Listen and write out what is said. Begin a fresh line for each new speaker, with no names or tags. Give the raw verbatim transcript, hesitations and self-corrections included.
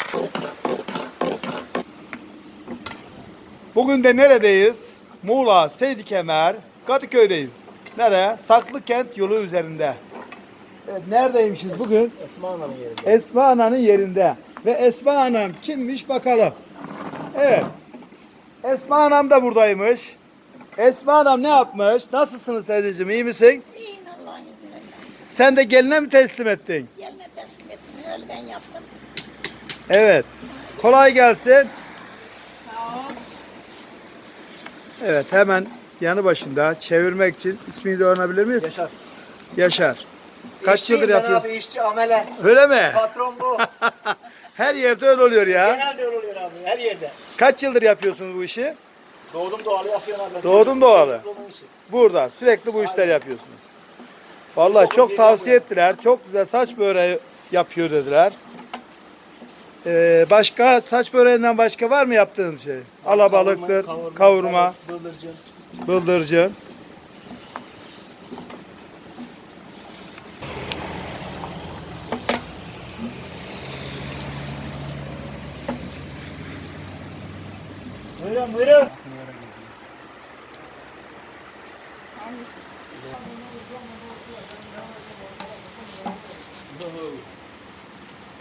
Bugün de neredeyiz? Muğla, Seydikemer, Kadıköy'deyiz. Nereye? Saklıkent yolu üzerinde. Evet, neredeymişiz bugün?
Esma Ana'nın yerinde.
Esma Ana'nın yerinde. Ve Esma Anam kimmiş bakalım. Evet. Esma Anam da buradaymış. Esma Anam ne yapmış? Nasılsınız teyzeciğim, iyi misin?
İyiyim Allah'ın izniyle.
Sen de geline mi teslim ettin?
Gelme teslim ettim. Öyle ben yaptım.
Evet. Kolay gelsin.
Sağ ol.
Evet, hemen yanı başında çevirmek için ismini de öğrenebilir miyiz?
Yaşar.
Yaşar. Kaç
İşçiyim
yıldır
ben
yapıyor?
abi, işçi amele.
Öyle mi?
Patron bu.
Her yerde öyle oluyor ya.
Genelde öyle oluyor abi, her yerde.
Kaç yıldır yapıyorsunuz bu işi?
Doğdum doğalı yapıyorum abi.
Doğdun doğalı.
Çocukluğumun işi.
Burada sürekli bu işler
Aynen.
yapıyorsunuz. Vallahi
Çok
çok
iyi
tavsiye
yapıyor.
ettiler. Çok güzel saç böreği yapıyor dediler. Ee, başka saç böreğinden başka var mı yaptığınız şey? Alabalıktır, kavurma, kavurma
Bıldırcın.
bıldırcın.
Buyurun buyurun.